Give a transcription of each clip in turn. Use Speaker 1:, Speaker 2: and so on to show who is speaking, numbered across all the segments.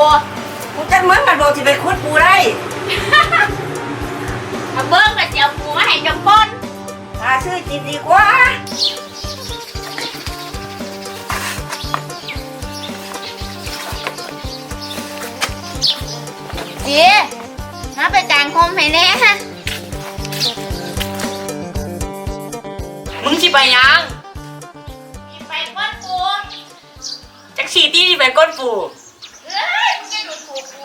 Speaker 1: กูจังมึงกันโดนที่ไปคุดปูได้
Speaker 2: ถ้าเบิ้งก็จะเอาปูมาให้เจ้าปน
Speaker 1: หาซื้อกินดีกว่า
Speaker 2: เจีมาไปจางคมให้แน่ฮะ
Speaker 3: มึงสิไปยัง
Speaker 2: ไปก้นปู
Speaker 3: จักฉีตี้สิไปก้นปู่
Speaker 2: เอ้ยมึงจะดูถูกปู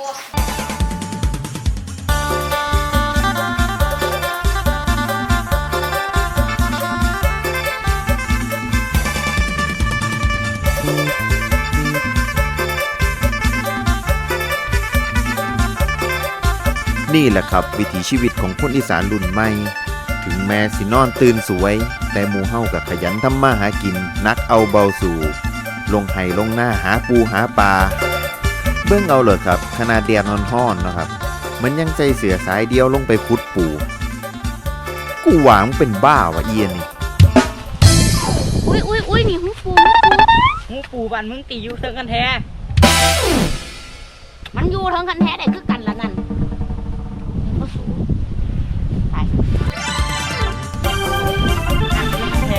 Speaker 4: นี่แหละครับวิถีชีวิตของคนอีสานรุ่นใหม่ถึงแม้สินอนตื่นสวย แต่หมู่เฮากับขยันทำมาหากินนักเอาเบาสู่ลงไห้ลงหน้าหาปูหาปลาเบิ่งเอาเลยครับขนาดแดดร้อนๆนะครับมันยังใจเสือสายเดียวลงไปขุดปูกูหวังเป็นบ้าวะเอียนนี่
Speaker 2: อุ้ยนี่หูปู
Speaker 3: หูปู่บ้านมึงตีอยู่เทิงกันแท้
Speaker 2: มันอยู่ทั้งกันแท้ได้คือกันละนั่นก็สูงไป
Speaker 3: แท้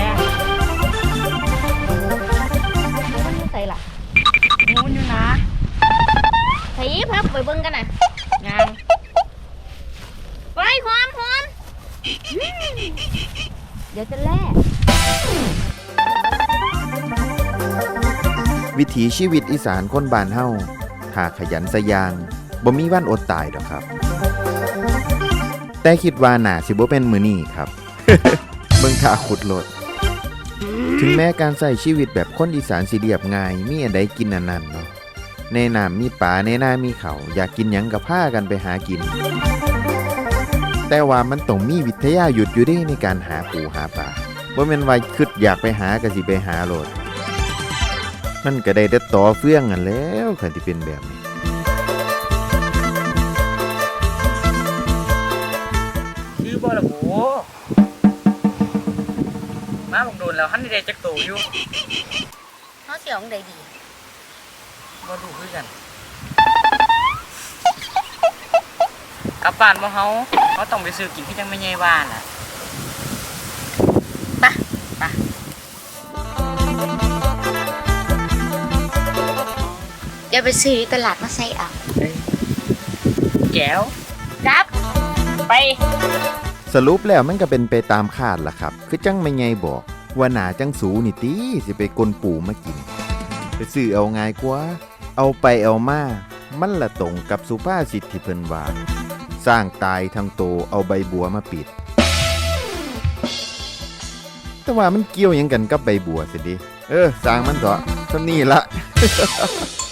Speaker 2: ใส่ละ
Speaker 3: งูอยู่นะ
Speaker 2: ใส่พับไปเบิ่งกันน่ะ
Speaker 3: งาน
Speaker 2: ไปความเดี๋ยวจะแล่
Speaker 4: วิถีชีวิตอีสานคนบ้านเฮาถ้าขยันสะยางบ่มีวันอดตายดอกครับ แต่คิดว่าน่าสิบ่เป็นมื้อนี้ครับ เบิ่งท่าขุดโลดถึงแม้การใช้ชีวิตแบบคนอีสานสิเรียบง่ายมีอันใดกินอันนั้นเนาะในน้ำมีปลาในนามีเขาวอยากกินหยังก็พากันไปหากิน แต่ว่ามันต้องมีวิทยาหยุดอยู่เด้ในการหาปูหาปลาบ่แม่นว่าคิดอยากไปหาก็สิไปหาโลดมันก็ได้แต่ต่อเฟื่องกันแล้วคันที่เป็นแบบนี้
Speaker 3: คือบ่ละโหมาบังโดนแล้วหันได้จักโตอยู่
Speaker 2: เขาเสียงใดดี
Speaker 3: บ่ดูคือกันกลับบ้านบ่เฮาต้องไปซื้อกินที่จังไม่ใหญ่บ้านน่ะ
Speaker 2: เดี๋ยวไปซื้อตลาดมาใส่เอา
Speaker 3: แก้ว
Speaker 2: ครับ
Speaker 3: ไป
Speaker 4: สรุปแล้วมันก็เป็นไปตามคาดล่ะครับ คือจังไม่ไงบอกว่าหนาจังสูนี่ติสิไปกลปูมากินไปซื้อเอาง่ายกว่าเอาไปเอามามันละตรงกับสุภาษิตที่เพิ่นว่าสร้างตายทั้งโตเอาใบบัวมาปิด แต่ว่ามันเกี่ยวหยังกันกับใบบัวสิดิสร้างมันเถอะเท่านี้ละ